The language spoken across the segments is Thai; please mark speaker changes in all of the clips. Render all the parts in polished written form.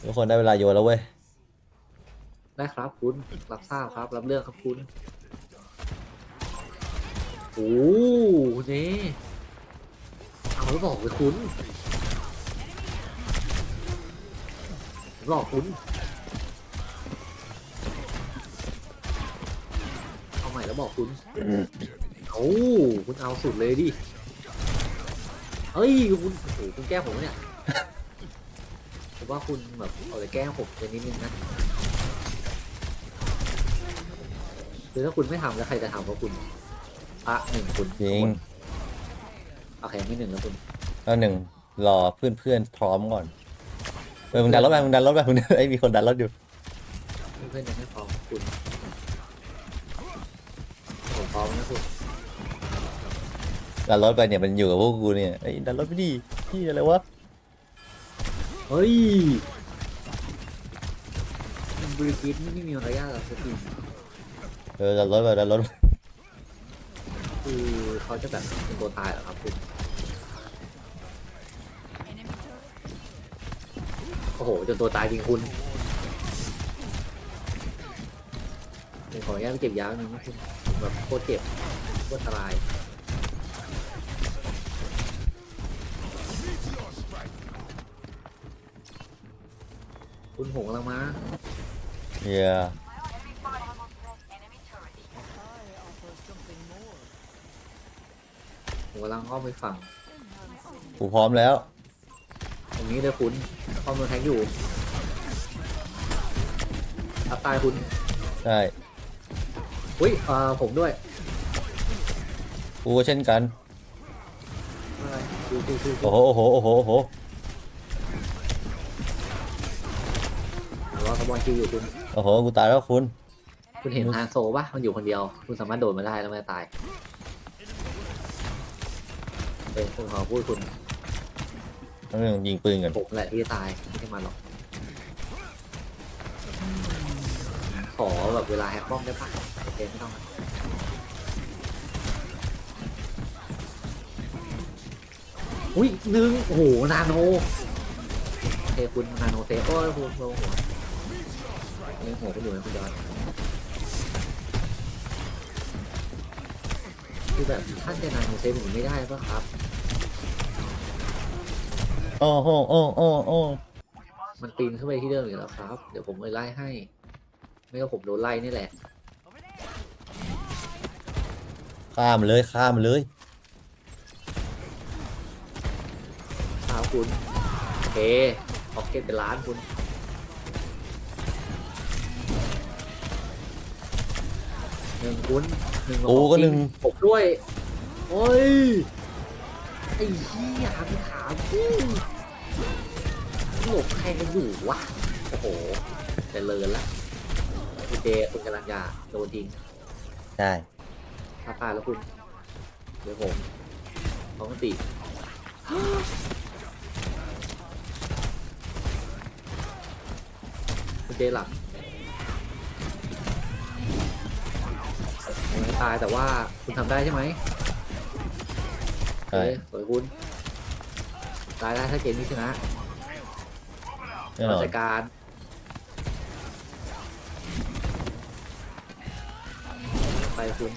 Speaker 1: ทุกคนได้เวลาโยนแล้วเว้ย
Speaker 2: ได้ครับคุณรับทราบครับรับเรื่องครับคุณโอ้เน่เอาแล้วบอกเลยคุณหลอกคุณเอาใหม่แล้วบอกคุณเอาคุณเอาสุดเลยดิเฮ้ยคุณโอ้โหคุณแกล้งผมเนี่ยผมว่าคุณแบบเอาแต่แกล้งผมไปนิดนึงนะคือถ้าคุณไม่ทำแล้วใครจะทำว่าคุณอ่ะหนึ่งคุณ
Speaker 1: จริง
Speaker 2: โอเคไม่หนึ่งแล้วคุณ
Speaker 1: แล้วหนึ่งรอเพื่อนพร้อมก่อนมึงดันรถไปมึงดันรถไปมึงไอ้มีคนดันรถอยู่
Speaker 2: เพื่อนยังไม่พร้อมคุณผมพร้อมนะคุณ
Speaker 1: ดันรถไปเนี่ยมันอยู่กับพวกกูเนี่ยไอ้ดันรถไม่ดีที่อะไรวะ
Speaker 2: เฮ้ยบริกิตไม่มีมารยาทหรอกสักที
Speaker 1: ดันรถไปดันรถ
Speaker 2: คือเขาจะแบบเป็นตัวตายเหรอครับคุณโอ้โหจนตัวตายจริงคุณผมขออนุญาตไปเก็บยาหนึ่งนะคุณแบบโคตรเจ็บโคตรอันตรายคุณหงกำลังมา
Speaker 1: เฮีย
Speaker 2: ผมกำลังอ้อมไปฝั่ง
Speaker 1: กูพร้อมแล้ว
Speaker 2: ตรงนี้เลยคุณข้อมือแทงอยู่ทับตายคุณ
Speaker 1: ใช่
Speaker 2: อุ้ยผมด้วย
Speaker 1: กูก็เช่นกัน
Speaker 2: อะไรดู
Speaker 1: โอ้โหโอ้โหโอ้โหโอ้โห
Speaker 2: รอสปอนคิวอยู่คุณ
Speaker 1: โอ้โหกูตายแล้วคุณ
Speaker 2: คุณเห็นฮานโซปะมันอยู่คนเดียว คุณสามารถโดดมาได้แล้วไม่ตายเป็นคุณขอพูดคุณ
Speaker 1: ต้องยิงปืนกัน
Speaker 2: ผมแหละที่ตายไม่ใช่มันหรอกขอแบบเวลาแฮกป้อมได้ปะโอเคไม่ต้องอุ้ยหนึ่งโอ้โหนาโนโอเคคุณนาโนเซฟโอ้ยคุณโดนหัวเลี้ยงหัวคุณอยู่ไหมคุณยอดคือแบบท่านจะนาโนเซฟผมไม่ได้ปะครับ
Speaker 1: โอ้โหโอ้โอ้โอ้
Speaker 2: มันปีนขึ้นไปที่เดิมอยู่แล้วครับ เดี๋ยวผมไปไล่ให้ ไม่ก็ผมโดนไล่นี่แหละ
Speaker 1: ข้ามเลยข้ามเลย
Speaker 2: ครับคุณโอเคพ็อกเก็ตเป็นล้านคุณหนึ่งคุณหนึ่ง
Speaker 1: กูก็หนึ่ง
Speaker 2: ผมด้วย โอ้ย ไอ้เหี้ยหันขาพี่หลบใครกันอยู่วะ โอ้โหแต่เลินละคุณเจคุณกำลังจะโดนทิ้ง
Speaker 1: ใช่
Speaker 2: ถ้าตายแล้วคุณ เดี๋ยวผมท้องตีคุณเจหลับไม่ตายแต่ว่าคุณทำได้ใช่ไหม
Speaker 1: ใช่
Speaker 2: สวยคุณตายได้ถ้าเกมนี้ชนะ
Speaker 1: แน่นอน
Speaker 2: จัดการไปคุณ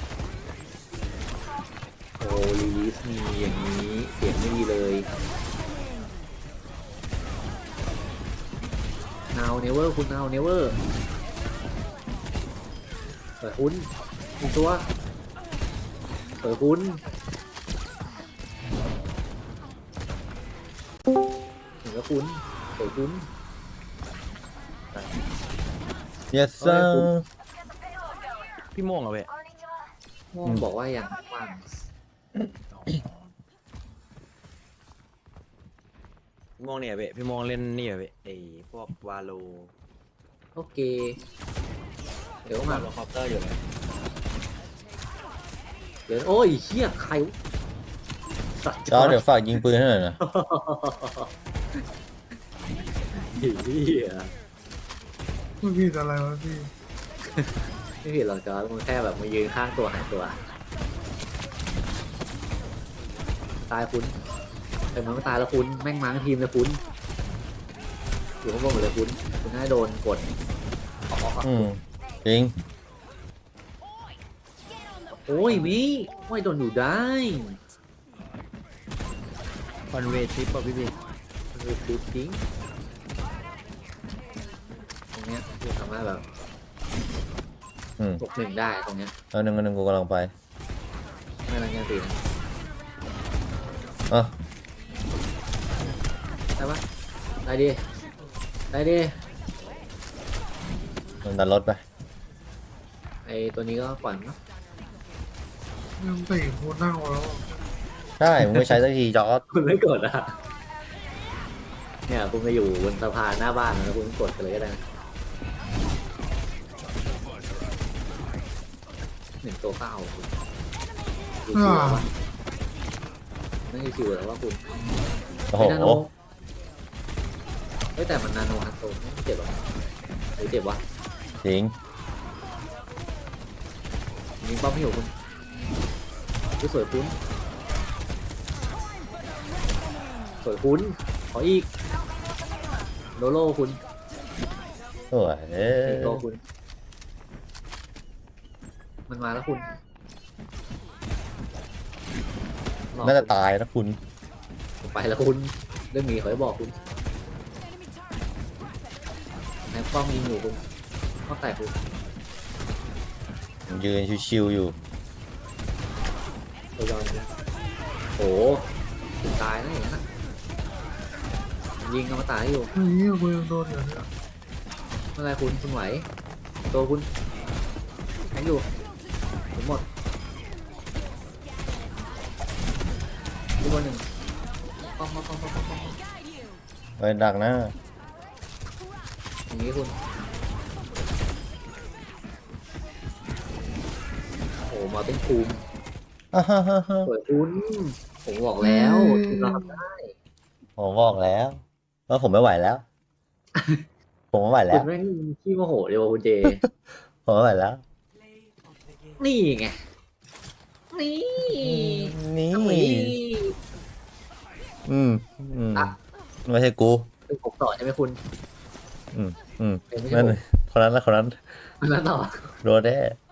Speaker 2: โอ้ลีลิสมีอย่างนี้เสียงไม่ดีเลยนาวเนเวอร์คุณนาวเนเวอร์เปิดคุณมีตัวเปิดคุณถึงแล้วคุณเปิดคุณ
Speaker 1: yes sir
Speaker 3: พี่โม่งเหรอเว้ย
Speaker 2: บอกว่าอย่างว่าง
Speaker 3: พี่โม่งเนี่ยเว้ยพี่โม่งเล่นนี่เว้ยไอ้พวกวาโล
Speaker 2: โอเคเดี๋ยวมา
Speaker 3: โลคอปเตอร์อยู่เลย
Speaker 2: เดี๋ยวโอ้ยเฮียใครสัตว์
Speaker 1: จอเดี๋ยวฝากยิงปืนให้หน่อยนะ
Speaker 2: เฮีย
Speaker 4: ไม่ผิดอะไรวะพี่
Speaker 2: ไม่ผิดหรอกจอร์จมันแค่แบบมายืนข้างตัวหายตัวตายคุณแต่มันไม่ตายแล้วคุณแม่งมาทั้งทีมเลยคุณอยู่ข้างบนหมดเลยคุณน่าโดนกดออก
Speaker 1: อืมจริง
Speaker 2: โอ้ยวิไม่โดนอยู่ได้
Speaker 3: คอนเวทิปป่ะพี่
Speaker 2: มันคือฟิวทิ้งตรงเนี้ยคือสามารถแบบ
Speaker 1: อืม
Speaker 2: 6-1ได้ตรงเนี้ย
Speaker 1: เอาหนึ่งกูกำลังไป
Speaker 2: ไม่รังยังตีนะ
Speaker 1: อ่ะ
Speaker 2: ได้ปะได้ดิได้ดิ
Speaker 1: มันดันรถไป
Speaker 2: ไอตัวนี้ก็ปล่อยมันเนอะ
Speaker 4: ยังตีโคตรนั่งแล้ว
Speaker 1: ใช่มึงไม่ใช้สักทีจอร์ด
Speaker 2: คุณไม่กดอ่ะเนี่ยคุณไปอยู่บนสะพานหน้าบ้านแล้วคุณกดไปเลยก็ได้นะหนึ่งตัวก็เอาคุณดูชิวแล้ววะไม่ใช่ชิวแล้วว่าคุณ
Speaker 1: โอ้โห
Speaker 2: ไม่นาโนเฮ้ยแต่มันนาโนฮัตโตไม่เจ็บหรอหรือเจ็บวะ
Speaker 1: จริง
Speaker 2: ยิงป้อมไม่อยู่คุณดูสวยคุณสวยคุณขออีกโลโลคุณ
Speaker 1: สวย
Speaker 2: อีกโลคุณมันมาแล้วคุณหลอก
Speaker 1: น่าจะตายนะคุณ
Speaker 2: ไปแล้วคุณเรื่องนี้ขอให้บอกคุณแม็กป้อมยิงอยู่คุณข้อแตกคุณ
Speaker 1: ยืนชิวๆอยู่
Speaker 2: ตัวยอนคุณโอ้คุณตายนะอย่างนั้นนะยิงเอามาตายอยู่
Speaker 4: ไอ้เหี้ยกูยังโดนอยู่เนี่ย
Speaker 2: เมื่อไรคุณไหวตัวคุณแข็งอยู่ผมหมดอีกคนหนึ่งป้อม
Speaker 1: ไปดักนะ
Speaker 2: อย่างนี้คุณโอ้มาเป็นภูมิ
Speaker 1: อ่าฮะฮะฮะ
Speaker 2: สวยคุณผมบอกแล้วคุณรับได้
Speaker 1: ผมบอกแล้วว่าผมไม่ไหวแล้ว ผมไม่ไหวแล้
Speaker 2: คุ
Speaker 1: ว
Speaker 2: ณแม่งขี้โมโหเดียวคุณเจ
Speaker 1: ผมไม่ไหวแล้ว
Speaker 2: นี่ไงนี่
Speaker 1: นี่
Speaker 2: ทำนี้
Speaker 1: อืมอืม
Speaker 2: อ่ะ
Speaker 1: ไม่ใช่กู
Speaker 2: เป็นผมต่อใช่ไหมคุณ
Speaker 1: อืมอืม
Speaker 2: เป็นไม่
Speaker 1: นั่
Speaker 2: ใช่
Speaker 1: นคนนั้นนะคนนั้น
Speaker 2: ผมแล้วต่อ
Speaker 1: โดนแน่